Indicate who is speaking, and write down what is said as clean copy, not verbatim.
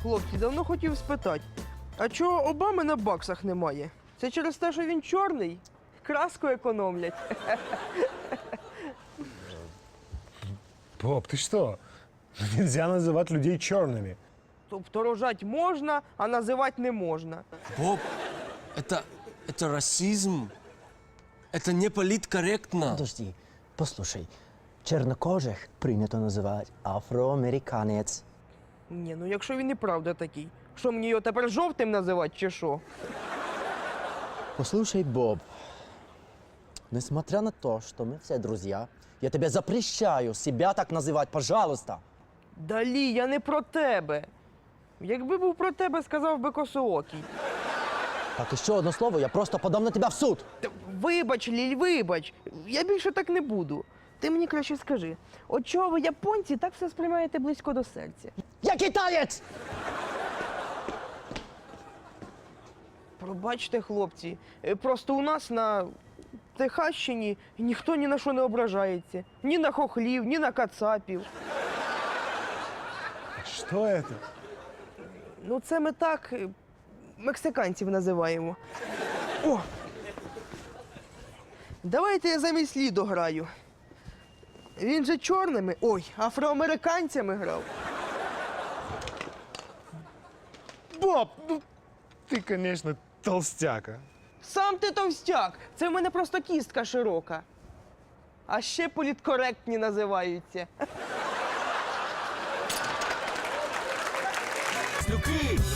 Speaker 1: Хлопці, давно хотів спитати, а чого Обами на баксах немає? Це через те, що він чорний? Краску економлять.
Speaker 2: Боб, ты что? Нельзя называть людей черными.
Speaker 1: Тобто рожать можна, а називати не можна.
Speaker 3: Боб, это расизм. Это не политкорректно.
Speaker 4: Подожди, послушай. Чернокожих принято називати афроамериканець.
Speaker 1: Ні, ну якщо він і правда такий, що мені його тепер жовтим називати чи що?
Speaker 4: Послушай, Боб, несмотря на то, что мы все друзья, я тебе запрещаю себя так называть, пожалуйста.
Speaker 1: Далі, я не про тебе. Якби був про тебе, сказав би косоокий.
Speaker 4: Так, еще одно слово, я просто подам на тебя в суд.
Speaker 1: Та вибач, Ліль, вибач. Я більше так не буду. Ти мені краще скажи, от чого ви, японці, так все сприймаєте близько до серця?
Speaker 4: Я китаєць!
Speaker 1: Пробачте, хлопці, просто у нас на Техащині ніхто ні на що не ображається. Ні на хохлів, ні на кацапів.
Speaker 2: Что это?
Speaker 1: Ну, це ми так мексиканців називаємо. О! Давайте я замість Лідо граю. Він же чорними, ой, афроамериканцями грав.
Speaker 2: Боб, ну ты, конечно, толстяка.
Speaker 1: Сам ти товстяк, це в мене просто кістка широка. А ще політкоректні називаються.
Speaker 3: Люки!